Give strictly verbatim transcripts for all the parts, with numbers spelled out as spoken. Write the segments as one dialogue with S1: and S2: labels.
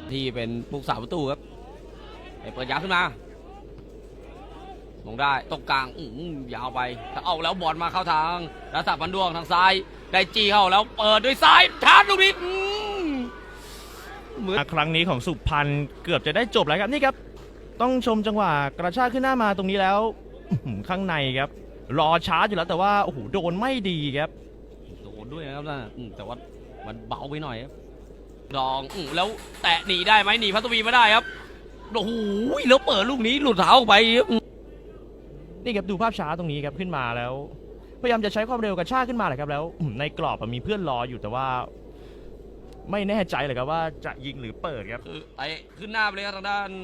S1: ที่เป็นผู้สาวประตูครับเปิดยาวขึ้นมาลงได้ตรงกลางอื้อยาวไปถ้าเอาแล้วบอลมาเข้าทางรัศพันดวงทางซ้ายได้จีเข้าแล้วเปิดด้วยซ้ายชาร์จลูกนี้
S2: เหมือนครั้งนี้ของสุพรรณเกือบจะได้จบแล้วครับนี่ครับต้องชมจังหวะกระชากขึ้นหน้ามาตรงนี้แล้วข้างในครับรอชาร์จอยู่แล้วแต่ว่าโอ้โหโดนไม่ดีครับ
S1: โดนด้วยนะครับนะแต่ว่ามันเบาไปหน่อยครับลองแล้วแตะหนีได้ไหมหนีพัทวีไม่ได้ครับโอ้โหแล้วเปิดลูกนี้หลุดเท้าออกไป
S2: นี่ครับดูภาพช้าตรงนี้ครับขึ้นมาแล้วพยายามจะใช้ความเร็วกระชากขึ้นมาแหละครับแล้วในกรอบมีเพื่อนรออยู่แต่ว่าไม่แน่ใจเลยครับว่าจะยิงหรือเปิดครับ
S1: คือไอ้ขึ้นหน้าไปเลยครับทางด้าน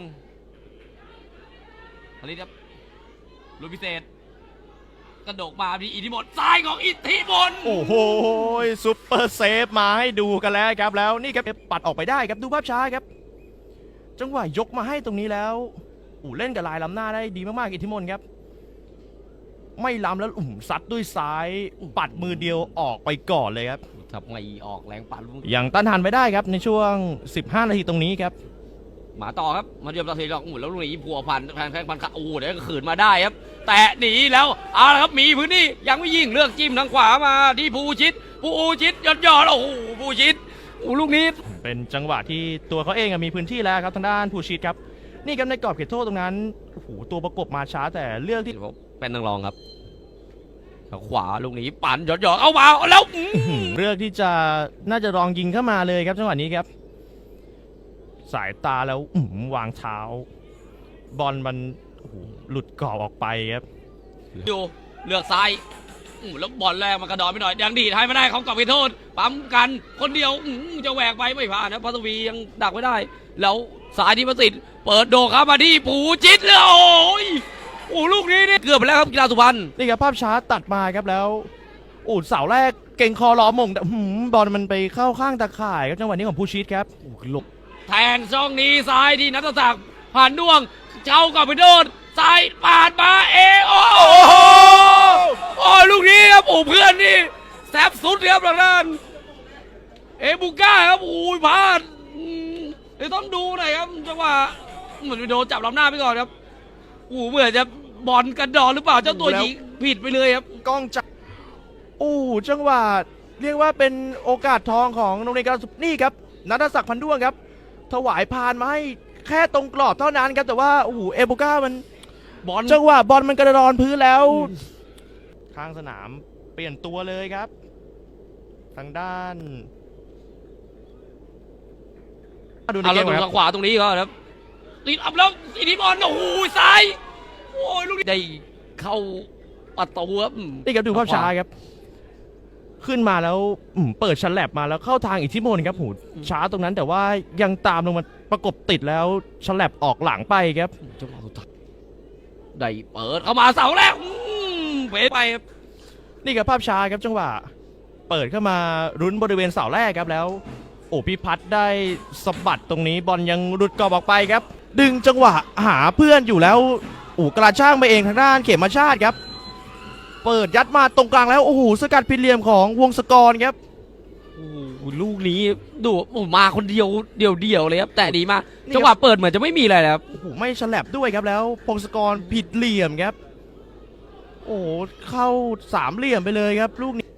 S1: ผลิตครับลูกพิเศษกระโดดมาที่อิทธิมนต์ซ้ายของอิทธิมนต์
S2: โอ้โหซุปเปอร์เซฟมาให้ดูกันแล้วครับแล้วนี่ครับปัดออกไปได้ครับดูภาพช้าครับจังหวะยกมาให้ตรงนี้แล้วอู่เล่นกับลายล้ำหน้าได้ดีมากๆอิทธิมนต์ครับไม่ล้ำแล้วอุ่มซัดด้วยซ้ายปัดมือเดียวออกไปก่อนเลยครับ
S1: ทำไงออกแรงปัด
S2: อย่างต้านทานไม่ได้ครับในช่วงสิบห้านาทีตรงนี้ครับ
S1: มาต่อครับมาเรียบราศีดอกหมุนแล้วลูกนี้พัวพันแทงแทงพันขาโอ้เดี๋ยวขืนมาได้ครับแต่หนีแล้วเอาละครับมีพื้นที่ยังไม่ยิงเลือกจิ้มทางขวามาที่ภูชิตภูชิตยอดยอดโอ้โหภูชิตโอ้ลูกนี้
S2: เป็นจังหวะที่ตัวเขาเองมีพื้นที่แล้วครับทางด้านภูชิตครับนี่ครับในกรอบเขตโทษตรงนั้นโอ้โหตัวประกบมาช้าแต่เลือกที่
S1: เป็นนังรองครับขวาลูกนี้ปั่นยอดยอดเอามาแล้ว
S2: เลือกที่จะน่าจะลองยิงเข้ามาเลยครับจังหวะนี้ครับสายตาแล้ววางเท้าบอลมันหลุดกรอบออกไปครับ
S1: ดูเลือกซ้ายแล้วบอลแรกมันกระดอนไปหน่อยยังดีให้ไม่ได้เขากลับไปโทษปั๊มกันคนเดียวจะแหวกไปไม่ผ่านนะพัทวียังดักไม่ได้แล้วสายที่ประสิทธิ์เปิดโดครับมาที่ปูจิตเลยโอ้ยโอ้ลูกนี้นี่เกือบไปแล้วครับกีฬาสุพรรณ
S2: นี่ครับภาพช้าตัดมาครับแล้วโอ้เสาแรกเก่งคอล้อมงแต่บอลมันไปเข้าข้างตะข่ายครับจังหวะนี้ของภูชิตครับหลบ
S1: แทงช่องนี้ซ้ายที่นัทศักดิ์ผ่านด้วงเจ้ากับไปโดนซ้ายปาดมาเอโอ้โหโอ้ลูกนี้ครับโอ้เพื่อนนี่แซบสุดครับทางด้านเอบุก้าครับโอ้ยพลาดเดี๋ยวต้องดูหน่อยครับจังหวะเหมือนไปโดนจับลำหน้าไปก่อนครับโอ้เหมือนจะบอลกระดอนหรือเปล่าเจ้าตัวยิงผิดไปเลยครับ
S2: กล้องจับโอ้จังหวะเรียกว่าเป็นโอกาสทองของโรงเรียนการนี่ครับนัทศักดิ์พันด้วงครับถวายพานมาให้แค่ตรงกรอบเท่านั้นครับแต่ว่าโอ้โหเอโบก้ามันบอลจังหวะบอลมันกระดอนพื้นแล้วทางสนามเปลี่ยนตัวเลยครับทางด้าน
S1: ดูในเกมทางขวาตรงนี้ก็ครับติดอัพแล้วอิทธิพลโอ้โหซ้ายโอ้ยลูกนี้ได้เข้าประตูครับ
S2: นี่ครับดูภาพช้าครับขึ้นมาแล้วเปิดฉลับมาแล้วเข้าทางอิทธิพลครับหูช้าตรงนั้นแต่ว่ายังตามลงมาประกบติดแล้วฉลับออกหลังไปครับ
S1: จังหวะสุดท้ายได้เปิดเข้ามาเสาแรกเป๋ไป
S2: นี่ครับภาพช้าครับจังหวะเปิดเข้ามารุ้นบริเวณเสาแรกครับแล้วโอ้พิพัฒน์ได้สะบัดตรงนี้บอลยังหลุดกรอบออกไปครับดึงจังหวะหาเพื่อนอยู่แล้วโอ้กระช่างไปเองทางด้านเขมชาติครับเปิดยัดมาตรงกลางแล้วโอ้โหสกัดผิดเหลี่ยมของวงศกรครับ
S1: โอ้โหลูกนี้ดูมาคนเดียวเดียวเดียวเลยครับแต่ดีมากจังหวะเปิดเหมือนจะไม่มีอะไรครับ
S2: โอ้โหไม่ฉลับด้วยครับแล้วพงศกรผิดเหลี่ยมครับโอ้โหเข้าสามเหลี่ยมไปเลยครับลูกนี้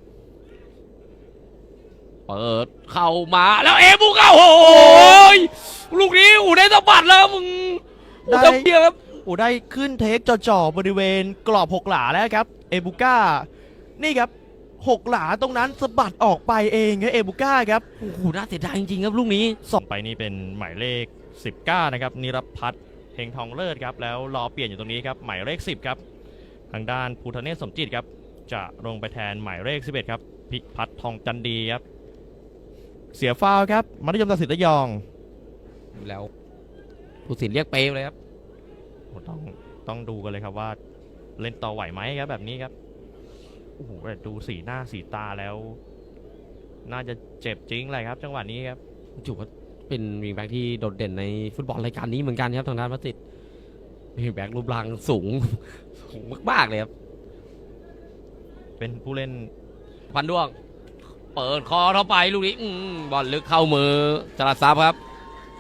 S1: เปิดเข้ามาแล้วเอบุก้าโอ้ยลูกนี้อูได้สะบัดแล้วมึง
S2: ได้เดียวครับอูได้ขึ้นเทคจ่อๆบริเวณกรอบหกหลาแล้วครับเอบุก้านี่ครับหกหลาตรงนั้นสะบัดออกไปเองครับเอบุก้าครับ
S1: โอ้โหน่าเสียดายจริงๆครับลูกนี้
S2: ส่งไปนี่เป็นหมายเลขสิบเก้านะครับนิรพัฒน์เฮงทองเลิศครับแล้วรอเปลี่ยนอยู่ตรงนี้ครับหมายเลขสิบครับทางด้านภูธเนศสมจิตครับจะลงไปแทนหมายเลขสิบเอ็ดครับพิพัฒน์ทองจันดีครับเสียฟาวครับมัธยมตัดสินระยอง
S1: แล้วผู้สินเรียกเปย์เลยครับ
S2: ต้องต้องดูกันเลยครับว่าเล่นต่อไหวไหมครับแบบนี้ครับโอ้โหดูสีหน้าสีตาแล้วน่าจะเจ็บจริงเลยครับจังหวะนี้ครับ
S1: ถือว่าเป็นวิงแบ็กที่โดดเด่นในฟุตบอลรายการนี้เหมือนกันครับทางด้านพัสิทธิ์วิงแบ็กรูปร่างสูงสูงมากๆเลยครับ
S2: เป็นผู้เล่น
S1: พันด้วงเปิดคอเข้าไปลูกนี้บอลลึกเข้ามือจรัสซับครับ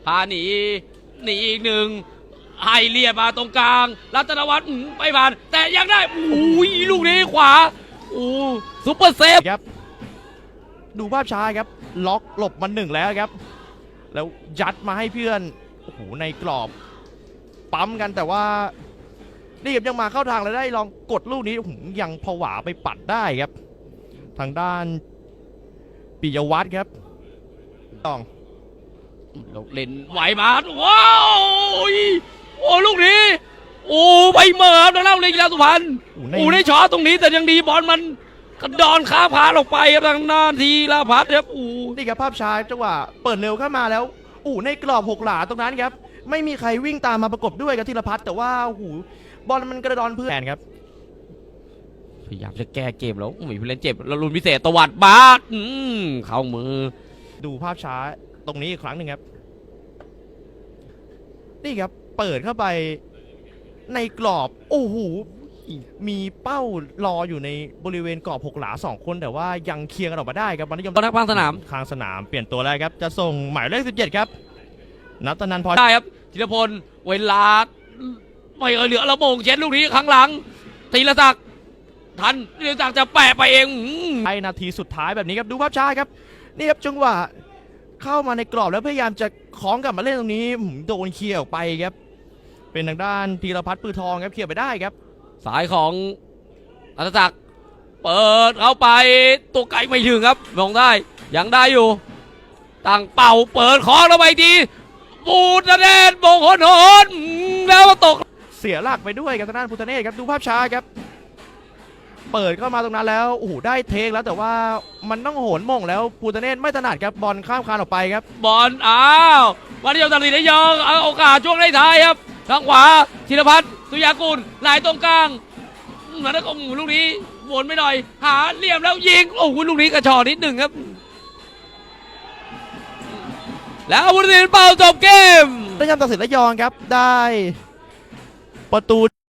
S1: พาหนีหนีอีกหนึ่งให้เลียดมาตรงกลางรัตนวัฒน์อื้อไม่ผ่าน แต่ยังได้อุ้ยลูกนี้ขวาโอ้ซุปเปอร์เซฟ
S2: ครับดูภาพช้าครับล็อกหลบมาหนึ่งแล้วครับแล้วยัดมาให้เพื่อนโอ้โหในกรอบปั๊มกันแต่ว่านี่ครับยังมาเข้าทางแล้วได้ลองกดลูกนี้โอ้โหยังผวาไปปัดได้ครับ ทางด้านปิยวัฒน์ครับต้อง
S1: เล่นไหวมาว้าวโอ้ลูกนี้โอ้ไปเหมิบทางด้านเลยกีฬาสุพรรณโอ้ได้ช็อตตรงนี้แต่ยังดีบอลมันกระดอนข้ามพาออกไปครับทางด้านทีละพัฒน์ครับโอ้
S2: นี่ครับภาพช้าจังหวะเปิดเร็วเข้ามาแล้วอู้ในกรอบหกหลาตรงนั้นครับไม่มีใครวิ่งตามมาประกบด้วยกับธีรพัฒน์แต่ว่าโอ้โหบอลมันกระดอนเพื่อนครับ
S1: พยายามจะแก้เกมแล้วมีผู้เล่นเจ็บแล้วลุนพิเศษตวัดบาสอืมเข้ามือ
S2: ดูภาพช้าตรงนี้อีกครั้งหนึ่งครับนี่ครับเปิดเข้าไปในกรอบโอ้โหมีเป้ารออยู่ในบริเวณกรอบหกหลาสองคนแต่ว่ายังเคลียร์กันออกมาได้ครับบอลนิยม
S1: ตอนนักพังสนาม
S2: ข้างสนามเปลี่ยนตัวแล้วครับจะส่งหมายเลขสิบเจ็ดครับนัตนันพอ
S1: ได้ครับธีรพลเวลาไม่เออเหลือระโมงเช็ดลูกนี้ครั้งหลังธีรศักดิ์ทันธีรศักดิ์จะแปะไปเองอืม
S2: ไอนาทีสุดท้ายแบบนี้ครับดูภาพช้าครับนี่ครับจังหวะเข้ามาในกรอบแล้วพยายามจะคล้องกลับมาเล่นตรงนี้หืมโดนเคลียร์ออกไปครับเป็นทางด้านธีรพัฒน์ปือทองครับเคลียร์ไปได้ครับ
S1: สายของอัตศักดิ์เปิดเข้าไปตัวไกลไม่ถึงครับมองได้ยังได้อยู่ตั้งเป่าเปิดคองแล้วไปทีบูดแดนโบงโหนโหนแล้วตก
S2: เสียหลักไปด้วยกับทางด้านพุทธเนศครับดูภาพช้าครับเปิดเข้ามาตรงนั้นแล้วโอ้โหได้เทคแล้วแต่ว่ามันต้องโหนม่งแล้วพุทธเนศไม่ถนัดครับบอลข้ามคานออกไปครับ
S1: บอลอ้าววันนี้ยอมตัดสินได้ยองเอาโอกาสช่วงท้ายๆครับทางขวาธีรพัฒน์สุยากุลไหลตรงกลางแล้วก็ลูกนี้วนไปหน่อยหาเหลี่ยมแล้วยิงโอ้โหลูกนี้กระชอกนิดหนึ่งครับ แล้วผู้ตัดสินเป่าจบเกม
S2: ได้ยำตัดสินระยองครับได้ประตู